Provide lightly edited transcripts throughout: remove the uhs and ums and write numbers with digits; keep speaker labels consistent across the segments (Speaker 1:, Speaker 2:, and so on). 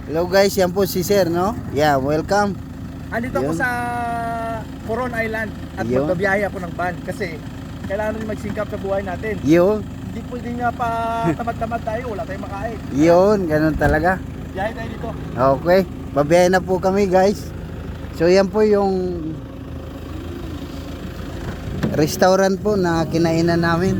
Speaker 1: Hello guys, yan po si Sir, no? Yeah, welcome.
Speaker 2: Andito ako
Speaker 1: Yun.
Speaker 2: sa Coron Island at
Speaker 1: Yun.
Speaker 2: magbabiyahe ako ng van kasi kailangan rin magsingkap sa buhay natin.
Speaker 1: Yun,
Speaker 2: Hindi pwede nga pa tamad-tamad tayo, wala tayong makain.
Speaker 1: yun, ganun talaga.
Speaker 2: Biyahe tayo dito.
Speaker 1: Okay, babiyahe na po kami guys. So yan po yung restaurant po na kinainan namin.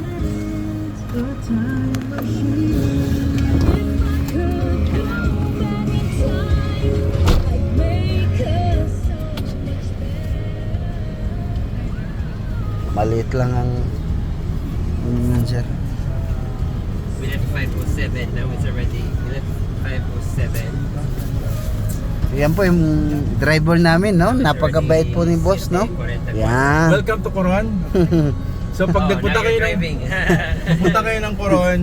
Speaker 1: Maliit lang ang sir.
Speaker 3: We left 5:07. Now it's already. We left 5:07.
Speaker 1: Yan po yung driver namin, no? Napakabait po ni boss, no? Yan.
Speaker 2: Welcome to Coron. So pag nagpunta kayo ng nagpunta kayo ng Coron,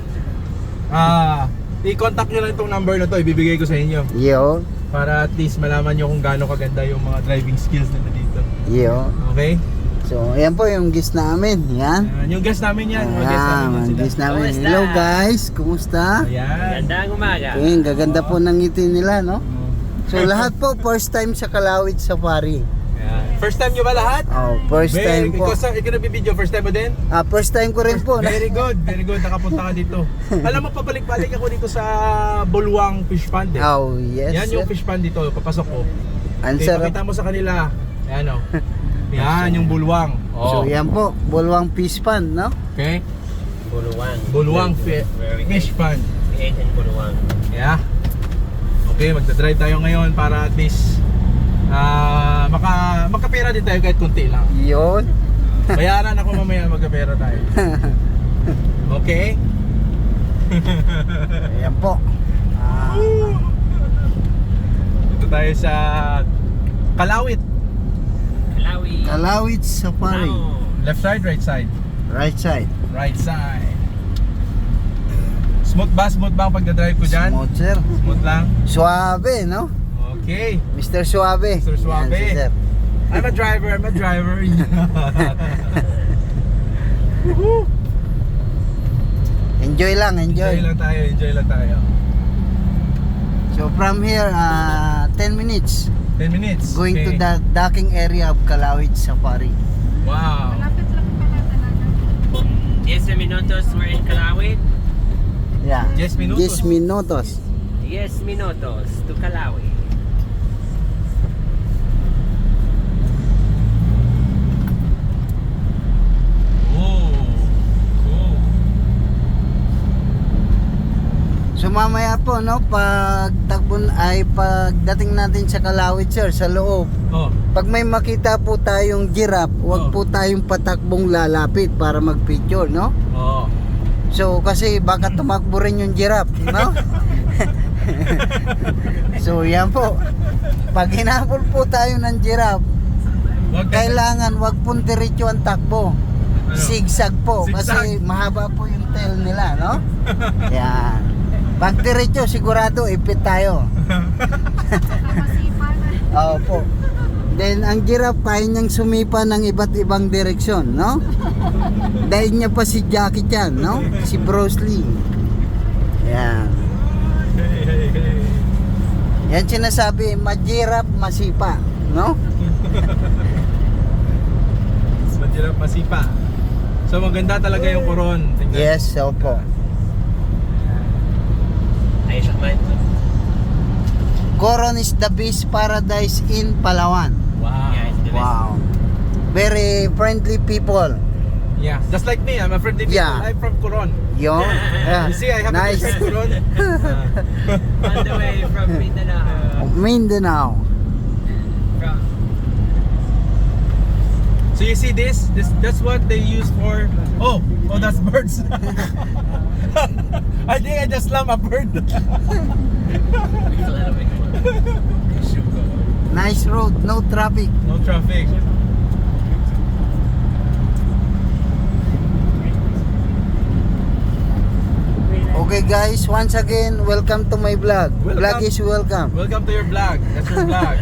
Speaker 2: i-contact nyo lang itong number na to, ibibigay ko sa inyo
Speaker 1: Yo,
Speaker 2: para at least malaman nyo kung gaano kaganda yung mga driving skills nila dito.
Speaker 1: yo.
Speaker 2: Okay?
Speaker 1: So, ayan po yung guest namin. Yan.
Speaker 2: Yung guest namin yan. Mga guest
Speaker 1: Ayan,
Speaker 2: namin yan
Speaker 1: mga
Speaker 2: sila.
Speaker 1: guest namin.
Speaker 3: Kumusta?
Speaker 1: Hello guys, kumusta?
Speaker 2: Ayan.
Speaker 3: Gandang umaga.
Speaker 1: Ayun, gaganda po ng ngiti nila, no? So, lahat po first time sa Kalawit Safari.
Speaker 2: Ayan. First time nyo ba lahat?
Speaker 1: Oh, first time po.
Speaker 2: Ikaw nabibideo, first time mo din?
Speaker 1: First time ko rin po.
Speaker 2: Very good, nakapunta ka dito. Alam mo, pabalik-balik ako dito sa Bulwang Fish Pond eh.
Speaker 1: Oh, yes.
Speaker 2: Yan yung
Speaker 1: sir.
Speaker 2: fish pond dito, papasok ko.
Speaker 1: Ang
Speaker 2: Okay,
Speaker 1: sarap.
Speaker 2: pakita mo sa kanila. Ayan o. Yan yung Bulwang.
Speaker 1: So, yan po, Bulwang Fish Pond, no?
Speaker 2: Okay?
Speaker 3: Buluwang.
Speaker 2: Bulwang
Speaker 3: Very good.
Speaker 2: Fish Pond.
Speaker 3: We ate in Buluwang.
Speaker 2: Yeah. Okay, magdadrive tayo ngayon para at least makapera din tayo kahit kunti lang.
Speaker 1: Yun.
Speaker 2: Bayaran ako mamaya, magkapera tayo. Okay?
Speaker 1: Ayan po.
Speaker 2: Ito tayo sa Kalawit.
Speaker 3: Kalawi.
Speaker 1: Kalawit Safari.
Speaker 3: Wow.
Speaker 2: Left side, right side?
Speaker 1: Right side.
Speaker 2: Right side. Smooth ba ang pagdadrive ko dyan?
Speaker 1: Smooth, sir.
Speaker 2: Smooth lang?
Speaker 1: Suave, no?
Speaker 2: Okay.
Speaker 1: Mr. Suave.
Speaker 2: Mr. Suave.
Speaker 1: Yan si sir.
Speaker 2: I'm a driver. Woohoo!
Speaker 1: Enjoy lang,
Speaker 2: Enjoy
Speaker 1: enjoy.
Speaker 2: lang tayo.
Speaker 1: So from here, 10 minutes
Speaker 2: 10 minutes.
Speaker 1: going to
Speaker 2: Okay.
Speaker 1: the docking area of Kalawit Safari.
Speaker 2: Wow.
Speaker 4: Malapit lang pala talaga.
Speaker 3: 10 minutos we're in Kalawi.
Speaker 1: Yeah.
Speaker 2: 10 minutos.
Speaker 1: 10 minutos.
Speaker 3: 10 minutos to Kalawi.
Speaker 2: Oh. Cool.
Speaker 1: So mamaya po, no, pagdating natin sa Kalawit, sir, sa loob,
Speaker 2: Oh.
Speaker 1: pag may makita po tayong giraffe,
Speaker 2: Oh.
Speaker 1: wag po tayong patakbong lalapit para mag-picture, no?
Speaker 2: Oh.
Speaker 1: So kasi baka tumakbo rin yung giraffe, no? So yan po. Pag hinabol po tayo ng giraffe,
Speaker 2: Wag
Speaker 1: kailangan wag pong diretso ang takbo.
Speaker 2: Ano?
Speaker 1: Zigzag po kasi
Speaker 2: Zigzag.
Speaker 1: mahaba po yung tail nila, no? Yan. Pag diretso sigurado ipit tayo.
Speaker 4: Masipa na.
Speaker 1: Opo. Then ang giraffe kaya niyang sumipa ng iba't ibang direksyon, no? Dahil niya pa si Jackie Chan, no? Si Bruce Lee. Yan. Yan sinasabi, majirap masipa, no?
Speaker 2: Mahirap masipa. So maganda talaga yung Coron. Tingnan.
Speaker 1: Yes, opo.
Speaker 3: Ay, Shakman.
Speaker 1: Coron is the best paradise in Palawan.
Speaker 2: Wow.
Speaker 3: Yeah, it's the best.
Speaker 1: Wow. Very friendly people.
Speaker 2: Yeah, just like me, I'm a friendly people.
Speaker 1: Yeah.
Speaker 2: I'm from Coron.
Speaker 1: Yo. Yeah.
Speaker 2: You see, I have
Speaker 1: Nice.
Speaker 2: a Coron.
Speaker 3: On the way from Mindanao.
Speaker 1: Mindanao.
Speaker 3: From
Speaker 2: So you see this? That's what they use for. Oh, that's birds. I think I just slammed a bird.
Speaker 1: Nice road, no traffic.
Speaker 2: No traffic.
Speaker 1: Okay guys, once again, welcome to my vlog.
Speaker 2: Welcome.
Speaker 1: Vlog is welcome.
Speaker 2: Welcome to your vlog. That's your vlog.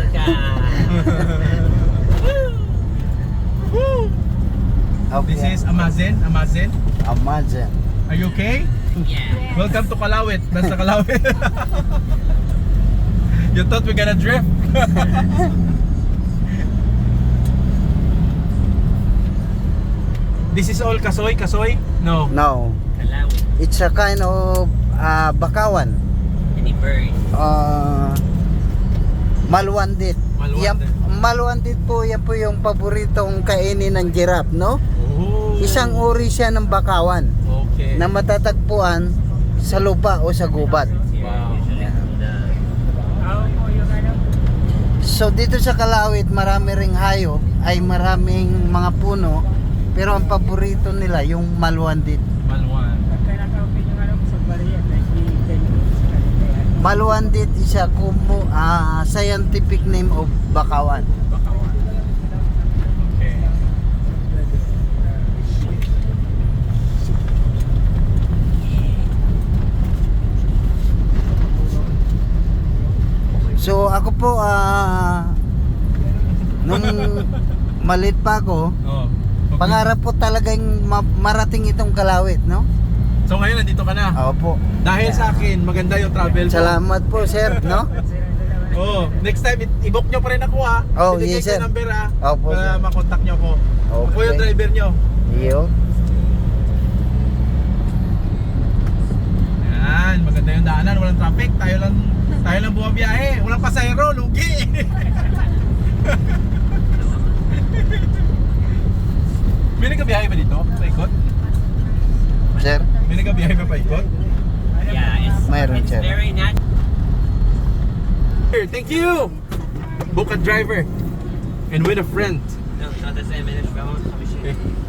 Speaker 1: Okay.
Speaker 2: This is Amazon.
Speaker 1: Amazon.
Speaker 2: Are you okay?
Speaker 3: Yeah.
Speaker 2: Welcome to Kalawit. That's the Kalawit. You thought we're gonna drift? This is all Kasoy? Kasoy? No.
Speaker 1: No,
Speaker 3: Kalawi.
Speaker 1: it's a kind of bakawan.
Speaker 3: Any bird.
Speaker 1: Malwandit.
Speaker 2: Malwandit.
Speaker 1: Yan, malwandit po, yan po yung paboritong kainin ng giraffe, no?
Speaker 2: Oh.
Speaker 1: Isang uri siya ng bakawan
Speaker 2: Okay.
Speaker 1: na matatagpuan sa lupa o sa gubat.
Speaker 2: Wow.
Speaker 1: So dito sa Kalawit, marami ring hayop, ay maraming mga puno, pero ang paborito nila yung malwandit.
Speaker 2: Malwan.
Speaker 1: Malwandit is a scientific name of bakawan.
Speaker 2: Bakawan. Okay.
Speaker 1: So ako po nung malit pa ako,
Speaker 2: Oh.
Speaker 1: pangarap po talagang marating itong Kalawit, no?
Speaker 2: So ngayon nandito ka na.
Speaker 1: Opo.
Speaker 2: Dahil sa akin, maganda yung travel mo.
Speaker 1: Salamat po, sir, no?
Speaker 2: Oh, next time i-book nyo pa rin ako ha.
Speaker 1: Oh,
Speaker 2: Bibigay
Speaker 1: yes,
Speaker 2: ko
Speaker 1: sir.
Speaker 2: yung number ha.
Speaker 1: Opo,
Speaker 2: Para
Speaker 1: sir.
Speaker 2: makontak nyo ako. Ako
Speaker 1: Okay.
Speaker 2: yung driver nyo.
Speaker 1: Iyo.
Speaker 2: Yan, maganda yung daanan, walang traffic. Tayo lang bumabiyahe. Walang pasahero, lugi. May nagkabiyahe ba dito? Paikot?
Speaker 1: Sir,
Speaker 2: May nagkabiyahe ba paikot?
Speaker 3: Yeah,
Speaker 1: Mayroon,
Speaker 3: it's
Speaker 1: sir.
Speaker 3: very natural.
Speaker 2: Thank you! Book a driver and with a friend.
Speaker 3: No, not the same minute.
Speaker 2: Okay.